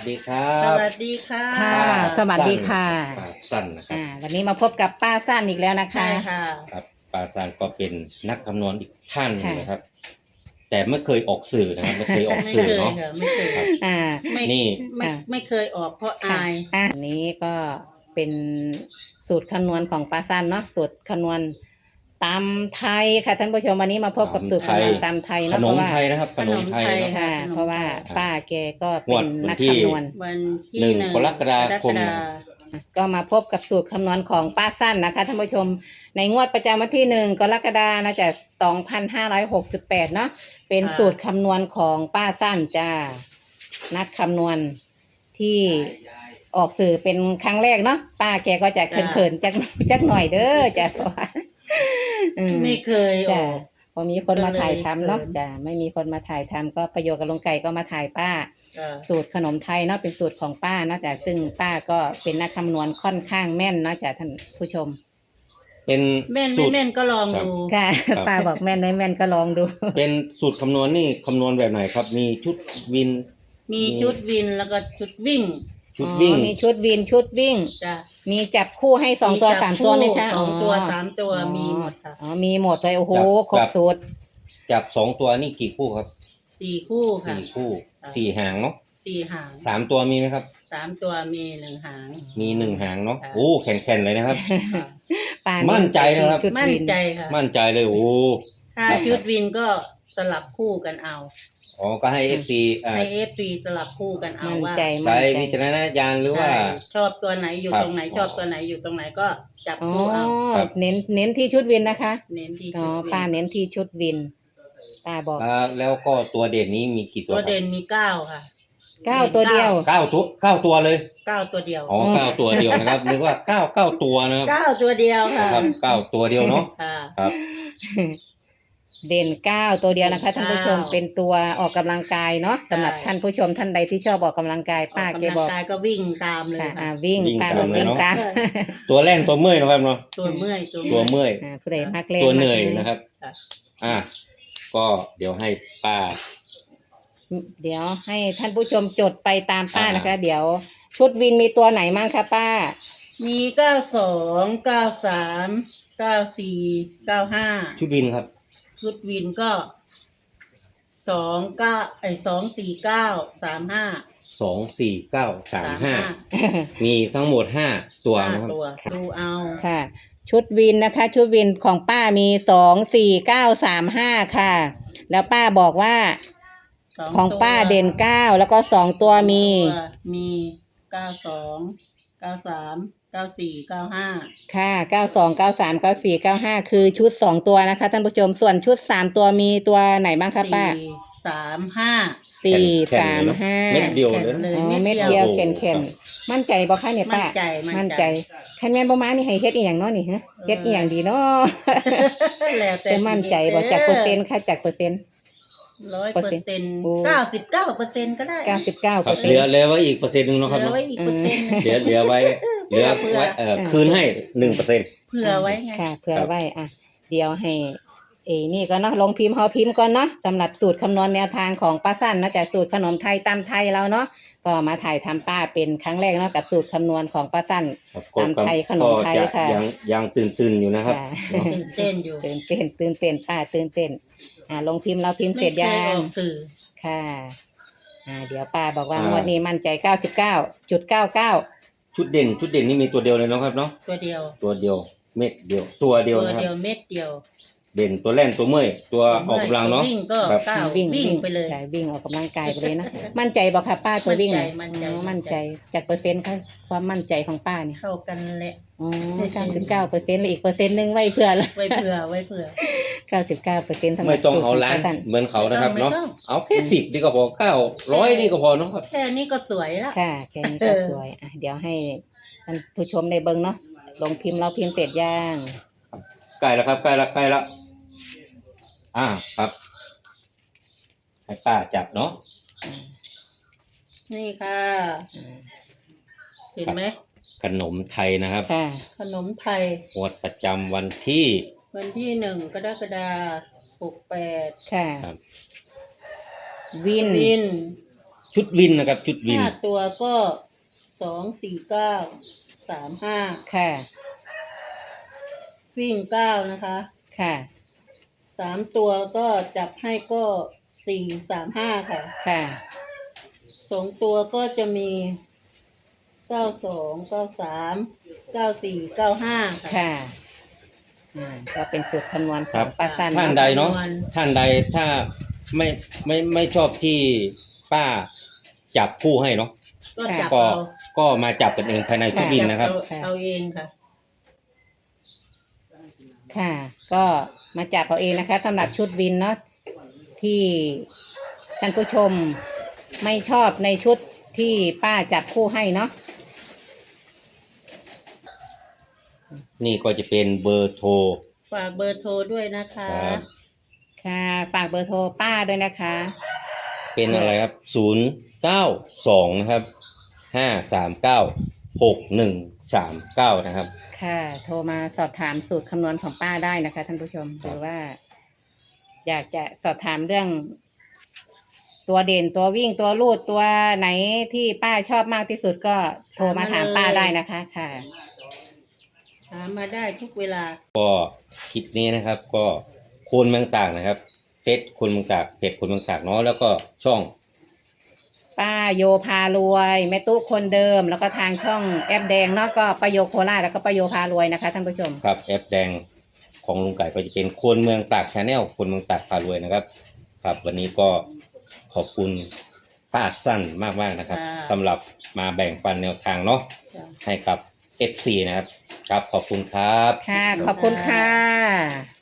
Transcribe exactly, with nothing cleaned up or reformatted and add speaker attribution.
Speaker 1: ดีครั
Speaker 2: ส
Speaker 1: บ
Speaker 2: วัสดีค่ะ
Speaker 3: ค่ะ สวัสดีค่ะ
Speaker 1: ป้าสั้นนะครับ
Speaker 3: อ่าวันนี้มาพบกับป้าสั้นอีกแล้วนะคะ
Speaker 2: ใช่ค่ะ
Speaker 1: ครับป้าสั้นก็เป็นนักคำนวณอีกท่านหนึ่ง
Speaker 3: ค่ะ
Speaker 1: นะครับ แต่ไม่เคยออกสื่อนะครับไม่เคยออก
Speaker 2: ไม่
Speaker 1: สื่อ
Speaker 2: เคย
Speaker 1: เนาะ
Speaker 2: ค่ะไม่เคย
Speaker 1: ครับ
Speaker 3: อ่า
Speaker 2: ไม่
Speaker 1: นี่
Speaker 2: ไม่
Speaker 3: ค่ะ
Speaker 2: ไม่เคยออกเพราะ
Speaker 3: ค่ะ
Speaker 2: อาย
Speaker 3: อ่าอันนี้ก็เป็นสูตรคำนวณของป้าสั้นเนาะสูตรคำนวณตำไทยค่ะท่านผู้ชมวันนี้มาพบกับสูตรคำนวณตำไทย
Speaker 1: ข
Speaker 3: เนาะ
Speaker 1: น
Speaker 3: เพ
Speaker 1: ม
Speaker 3: ราะว่า
Speaker 1: ไทยนะครับขนมไทย
Speaker 2: ขนมไทย
Speaker 1: เนาะ
Speaker 3: ค่ะ
Speaker 2: ขนมไทย
Speaker 3: เพราะว่าป้าแกก็เป็น
Speaker 1: งวดวัน
Speaker 3: นัก
Speaker 1: ที่
Speaker 3: คำนวณ
Speaker 2: วันที่
Speaker 1: หนึ่ง
Speaker 2: หนึ่ง
Speaker 1: กรกฎาคม
Speaker 2: กรกฎา
Speaker 3: ก็มาพบกับสูตรคำนวณของป้าสั้นนะคะท่านผู้ชมในงวดประจำวันที่หนึ่งกรกฎาคมนะจ๊ะสองพันห้าร้อยหกสิบแปดเนาะเป็นสูตรคำนวณของป้าสั้นจ้านักคำนวณที่ออกสื่อเป็นครั้งแรกเนาะป้าแกก็จะเขินๆจักจักหน่อยเด้อจ้ะเพราะว่าอืม
Speaker 2: ไม่เคยอ
Speaker 3: จ้ะ
Speaker 2: อก
Speaker 3: พอมีคนมาถ่ายทำเนาะ
Speaker 2: ก็เลยเขิน
Speaker 3: จ้ะไม่มีคนมาถ่ายทำก็ประโยชน์กับลุงไก่ก็มาถ่ายป้า
Speaker 2: จ้ะ
Speaker 3: สูตรขนมไทยเนาะเป็นสูตรของป้าเนาะจ้ะซึ่งป้าก็เป็นนักคำนวณค่อนข้างแม่นเนาะจ้ะท่านผู้ชม
Speaker 1: เป็น
Speaker 2: แม่น
Speaker 1: สู
Speaker 2: ไม่
Speaker 1: ตร
Speaker 2: แม่นก็ลอง
Speaker 1: ครับ
Speaker 2: ดู
Speaker 3: ค่ะ
Speaker 1: ครับ
Speaker 3: ป้าบอกแม่นไม่แม่นก็ลองดู
Speaker 1: เป็นสูตรคำนวณนี่คำนวณแบบไหนครับ มีชุดวิน
Speaker 2: มีชุดวินแล้วก็ชุดวิ่ง
Speaker 1: ชุดวิ่ง
Speaker 3: อ๋อมีชุดวินชุดวิ่ง
Speaker 2: จ้ะ
Speaker 3: มีจับคู่ให้สองตัว
Speaker 2: จับ
Speaker 3: สามตัวไหมคะ
Speaker 2: สองตัว
Speaker 3: อ๋อ
Speaker 2: สามตัวมีหมดค่ะ
Speaker 3: อ๋อมีหมดเลยโอ้โห
Speaker 1: จับ
Speaker 3: ครบ
Speaker 1: จับ
Speaker 3: สูตร
Speaker 1: จากสองตัวนี่กี่คู่ครับ
Speaker 2: สี่คู่ค่ะ
Speaker 1: สี่คู่
Speaker 2: ค่ะ
Speaker 1: สี่หางเนาะ
Speaker 2: สี่หาง
Speaker 1: สามตัวมีไหมครับ
Speaker 2: สามตัวมีหนึ่งหาง
Speaker 1: มีหนึ่งหางเนาะ
Speaker 2: ค่ะ
Speaker 1: โอ้แข็งๆเลยนะครับ
Speaker 2: ค่ะ
Speaker 3: ป้า
Speaker 1: มั่
Speaker 3: มั่
Speaker 1: นใจนะครับ
Speaker 3: ชุด
Speaker 2: มั่น
Speaker 3: วิน
Speaker 2: ใจค่ะ
Speaker 1: มั่นใจเลยโอ้
Speaker 2: ถ้า
Speaker 1: ครับ
Speaker 2: ชุดวินก็สลับคู่กันเอา
Speaker 1: อ๋อก็ให้เอฟซีอ่า
Speaker 2: ให้เอฟซีสลับคู่กันเอา
Speaker 3: มั่น
Speaker 2: ว่า
Speaker 3: ใจ
Speaker 1: ใช้
Speaker 3: มั่นใจ
Speaker 1: วิจารณญาณหรือว่า
Speaker 2: ใช่ชอบตัวไหนอยู่
Speaker 1: ครับ
Speaker 2: ตรงไหนชอบตัวไหนอยู่ตรงไหนก็จับ
Speaker 3: อ๋อ
Speaker 2: คู่เอา
Speaker 1: ครับ
Speaker 3: เน้นเน้นที่ชุดวินนะคะ
Speaker 2: เน้นที่
Speaker 3: อ๋อ
Speaker 2: ชุดวิน
Speaker 3: ป้าเน้นที่ชุดวินป้าบอก
Speaker 1: อ่าแล้วก็ตัวเด่นนี้มีกี่ตัว
Speaker 2: ตัว
Speaker 1: ครับ
Speaker 2: เด่นมีเก้าค่ะ
Speaker 3: เก้าตัวเดียว
Speaker 1: เก้าตัวเก้าตัวเลย
Speaker 2: เก้าตัวเดียว
Speaker 1: อ๋อ
Speaker 3: อืม
Speaker 1: เก้าตัวเดียวนะครับนึกว่าเก้าเก้าตัวนะครับ
Speaker 2: เก้าตัวเดียวค่ะ
Speaker 1: ครับเก้าตัวเดียวเนาะ
Speaker 2: ค่ะ
Speaker 1: ครับ
Speaker 3: เด่นเก้าตัวเดียวนะคะท่านผู้ชม
Speaker 2: เก้า
Speaker 3: เป็นตัวออกกำลังกายเนาะสำหรับ
Speaker 2: ใช่
Speaker 3: ท่านผู้ชมท่านใดที่ชอบออกกำลังกาย
Speaker 2: ออ
Speaker 3: ป้าก แก
Speaker 2: กำลัง
Speaker 3: บอก
Speaker 2: กายก็วิ่งตามเลย
Speaker 3: ค่ะอ่า
Speaker 2: ค่ะ
Speaker 3: วิ่ง
Speaker 1: วิ่ง
Speaker 3: ป้า
Speaker 1: ตาม
Speaker 3: บอก
Speaker 1: เลย
Speaker 3: วิ่ง
Speaker 1: เนาะ
Speaker 3: ตาม
Speaker 1: ตัวแรกตัวเมื่อยนะครับเนาะ
Speaker 2: ตัวเมื่อยตัว
Speaker 1: ตัว
Speaker 2: เมื่อย
Speaker 1: เมื่อย
Speaker 3: อ่าผู้ใดมักเล่น
Speaker 1: ตัวเหนื่อย
Speaker 3: มักล่
Speaker 1: นะครับ
Speaker 2: ค่ะ
Speaker 1: อ่ะก็เดี๋ยวให้ป้า
Speaker 3: เดี๋ยวให้ท่านผู้ชมจดไปตามป้า
Speaker 1: อ่าน
Speaker 3: นะคะ เดี๋ยวชุดวินมีตัวไหนมั่งคะป้า
Speaker 2: มีเก้าสองเก้าสามเก้าสี่เก้าห้า
Speaker 1: ชุดวินครับ
Speaker 2: ชุดวินก็สองเก้าไอสองสี่เก้าสามห้า
Speaker 1: สองสี่เก้าสาม
Speaker 2: สาม
Speaker 1: ห้า
Speaker 2: ห้า
Speaker 1: มีทั้งหมดห้าตัว
Speaker 2: ห้า
Speaker 1: นะครับ
Speaker 2: ตัวดูเอา
Speaker 3: ค่ะ ชุดวินนะคะ ชุดวินของป้ามีสองสี่เก้าสามห้าค่ะ แล้วป้าบอกว่า
Speaker 2: ส
Speaker 3: ของป้า
Speaker 2: ตัว
Speaker 3: เด่นเก้าแล้วก็สองตัวมี
Speaker 2: ตัวมีเก้าสองเก้าสามเก้าสี่เก้าห้า
Speaker 3: ค่ะเก้าสองเก้าสามเก้าสี่เก้าห้าคือชุดสองตัวนะคะท่านผู้ชมส่วนชุดสามตัวมีตัวไหนบ้างคะป้า
Speaker 2: สี่สามห้า
Speaker 3: สี่
Speaker 1: แข็งๆ
Speaker 3: สาม
Speaker 1: เลยเนอะ
Speaker 3: ห้า
Speaker 1: เม็ดเดียว
Speaker 2: แข็ง
Speaker 1: เลยนะ
Speaker 2: เลย
Speaker 3: อ๋อ
Speaker 2: เม็
Speaker 3: เม็
Speaker 2: ด
Speaker 3: ด
Speaker 2: เดี
Speaker 3: เดี
Speaker 2: ย
Speaker 3: ยว ว
Speaker 1: โอ้โห
Speaker 3: แข็งแข็งๆมั่นใจบ่คะเนี่ยป้า
Speaker 2: มั่นใจมั่
Speaker 3: มั่น
Speaker 2: น
Speaker 3: ใจ
Speaker 2: ใจ
Speaker 3: คันแม่นบ่มานี่ให้เฮ็ดอีหยังเนาะนี่ฮะเฮ็ดอีหยังดีเนาะ
Speaker 2: แล้วแต่
Speaker 3: จะมั่นใจบ่จากเปอร์เซ็นต์ค่ะจากเปอร์เซ็นต์
Speaker 2: ร้อยเปอร์เซ็นต์
Speaker 3: โอ้
Speaker 2: เก้าสิบเก้าเปอร์เซ็นต์ก็ได้
Speaker 3: เก้าสิบเก้า
Speaker 1: ค
Speaker 3: เป
Speaker 1: รั
Speaker 3: อบ ร์เซ็
Speaker 1: เห
Speaker 3: น
Speaker 1: ลือ
Speaker 3: ต์
Speaker 1: เหลือไว้อีกเปอร์เซ็นต์หนึ่ง
Speaker 2: เห
Speaker 1: เนาะครับ
Speaker 2: ลือ
Speaker 1: เนาะ
Speaker 2: ไว้อีกเปอร์เซ็นต์
Speaker 1: เหลือเหลือไว้เหลือ
Speaker 2: เผื่อ
Speaker 1: ไว้เอ่อคืนให้หนึ่งเปอร์เซ็นต์
Speaker 2: เผื่อไว้ไง
Speaker 3: ค่ะเผื่อ
Speaker 1: ครับ
Speaker 3: ไว้อ่ะเดี๋ยวให้เอนี่ก็เนาะลงพิมพ์เฮาพิมพ์ก่อนเนาะสำหรับสูตรคำนวณแนวทางของป้าสั้นเนาะจากสูตรขนมไทยตำไทยเราเนาะก็มาถ่ายทำป้าเป็นครั้งแรกเนาะกับสูตรคำนวณของป้าสั้น
Speaker 1: ครับ
Speaker 3: ตามไทยขนมไทย
Speaker 1: ก็จ
Speaker 3: ค่ะ
Speaker 1: ยังยังตื่นตื่นๆอยู่นะครับ
Speaker 3: ค่ะ
Speaker 1: เนาะ
Speaker 2: ตื่นเต้นอยู่
Speaker 3: ตื่นเต้นตื่นเต้นป้าตื่นเต้นอ่าลงพิมพ์เราพิมพ์เสร็จ
Speaker 2: ไม่
Speaker 3: ยั
Speaker 2: เคย
Speaker 3: ง
Speaker 2: ออกสื่อ
Speaker 3: ค่ะอ่าเดี๋ยวป้าบอกว่า
Speaker 1: อ่าง
Speaker 3: งวดนี้มั่นใจเก้าสิบเก้าจุดเก้าเก้า
Speaker 1: ชุดเด่นชุดเด่นนี่มีตัวเดียวเลยเนาะครับเนาะ
Speaker 2: ตัวเดียว
Speaker 1: ตัวเดียวเม็ดเดียว ตัวเดียว
Speaker 2: ตัว
Speaker 1: นะค
Speaker 2: เดีย
Speaker 1: รั
Speaker 2: ว
Speaker 1: บ
Speaker 2: เม็ดเดียว
Speaker 1: เด่นตัวแล่นตัวเมื่อยตัวออกกำลังเนาะ
Speaker 2: วิ่งก็
Speaker 1: ครับ
Speaker 2: เก้า
Speaker 3: วิ่ง
Speaker 2: วิ่งไปเลย
Speaker 3: ใช่วิ่งออกกำลังกายไปเลยนะ มั่นใจบอกค่ะป้าตัววิ่งเนี่ย
Speaker 2: มั่นใจ
Speaker 3: อ๋อ
Speaker 2: มั่
Speaker 3: มั่น
Speaker 2: น
Speaker 3: ใจ
Speaker 2: ใจ
Speaker 3: จากเปอร์เซ็นต์ค่ะความมั่นใจของป้าเนี่ย
Speaker 2: เข้ากันแหละ
Speaker 3: อ๋อเก้าสิบเก้าเปอร์เซ็นต์เลยอีกเปอร์เซ็นต์หนึ่งไว้เพื่อละ
Speaker 2: ไว้เผื่อไว้เผื่อ
Speaker 3: เก้าสิบเก้าเปอร์เซ็นต์สำหรับ
Speaker 1: ไม่ต้อง
Speaker 3: สูตร
Speaker 1: เอา
Speaker 3: ของ
Speaker 1: ล้าน
Speaker 3: ป้าสั้น
Speaker 1: เหมือนเขานะครับ
Speaker 2: ไม่
Speaker 1: เนาะ
Speaker 2: ต้อง
Speaker 1: เอาแค่สิบดีก็พอเก้าร้อยนี่ก็พอเนาะครับ
Speaker 2: แค่นี้ก็สวยแล้ว
Speaker 3: ค่ะแค่นี้ก็สวยอ่ะเดี๋ยวให้ท่านผู้ชมได้เบิ่งเนาะลงพิมพ์เราพิมพ์เสร็จย่าง
Speaker 1: ใกล้แล้วครับใกล้แล้วใกล้แล้วอ่าครับให้ป้าจับเนาะ
Speaker 2: นี่ค่ะ
Speaker 3: อ่า
Speaker 2: เห็นไหม
Speaker 1: ขนมไทยนะครับ
Speaker 3: ค่ะ
Speaker 2: ขนมไทย
Speaker 1: งวดประจำวันที่
Speaker 2: วันที่หนึ่งกรกฎาคมหกแปด
Speaker 3: ค่ะ
Speaker 1: ครับ
Speaker 3: วิน
Speaker 2: วิน
Speaker 1: ชุดวินนะครับ ชุดวิน
Speaker 2: ห้าตัวก็สองสี่เก้าสามห้า
Speaker 3: ค่ะ
Speaker 2: วิ่งเก้านะคะ
Speaker 3: ค่ะ
Speaker 2: สามตัวก็จับให้ก็สี่สามห้าค่ะ
Speaker 3: ค่ะ
Speaker 2: สองตัวก็จะมีเก้าสองเก้าสามเก้าสี่เก้าห้าค่ะ
Speaker 3: ค่ะอ่าก็เป็นสูตรคำนวณข
Speaker 1: ครั
Speaker 3: อบ งป้าสั้น
Speaker 1: ท่าน
Speaker 3: เนาะ
Speaker 1: ใดเนาะ
Speaker 2: คำนวณ
Speaker 1: ท่านใดถ้าไม่ไม่ไม่ชอบที่ป้าจับคู่ให้เนาะ
Speaker 2: ก็จับ
Speaker 1: ก็
Speaker 2: เอา
Speaker 1: ก็มาจับกันเองภายในชุดวินนะครับ
Speaker 2: จัเอาเอาเองค่ะ
Speaker 3: ค่ะ ก็มาจับเอาเองนะคะสำหรับชุดวินเนาะที่ท่านผู้ชมไม่ชอบในชุดที่ป้าจับคู่ให้เนาะ
Speaker 1: นี่ก็จะเป็นเบอร์โทร
Speaker 2: ฝากเบอร์โทรด้วยนะคะ
Speaker 1: ครับ
Speaker 3: ค่ะฝากเบอร์โทรป้าด้วยนะคะ
Speaker 1: เป็นอะไรครับศูนย์เก้าสองนะครับห้าสามเก้าหกหนึ่งสามเก้านะครับ
Speaker 3: ค่ะ โทรมาสอบถามสูตรคำนวณของป้าได้นะคะท่านผู้ชมหรือว่า อยากจะสอบถามเรื่อง ตัวเด่นตัววิ่งตัวลูดตัวไหนที่ป้าชอบมากที่สุดก็โทรมาถามป้าได้นะคะค่ะ
Speaker 2: หามาได้ทุกเวลา
Speaker 1: ก็คลิปนี้นะครับ ก็คนเมืองตากนะครับเฟซคนเมืองตากเพจคนเมืองตากเนาะแล้วก็ช่อง
Speaker 3: ป้าโยพารวยแม่ตุ๊คนเดิม แล้วก็ทางช่องแอปแดงเนาะก็ป้าโยโคราชแล้วก็ป้าโยพารวยนะคะท่านผู้ชม
Speaker 1: ครับแอปแดงของลุงไก่ก็จะเป็นคนเมืองตากชาแนลคนเมืองตากพารวยนะครับ ครับวันนี้ก็ขอบคุณป้าสั้นมากๆนะครับ
Speaker 2: ค่ะ
Speaker 1: สำหรับมาแบ่งปันแนวทางเนาะ
Speaker 2: จ้ะ
Speaker 1: ให้กับ เอฟ ซี นะครับ ครับขอบคุณครับ
Speaker 3: ค่ะ ขอบคุณค่ะ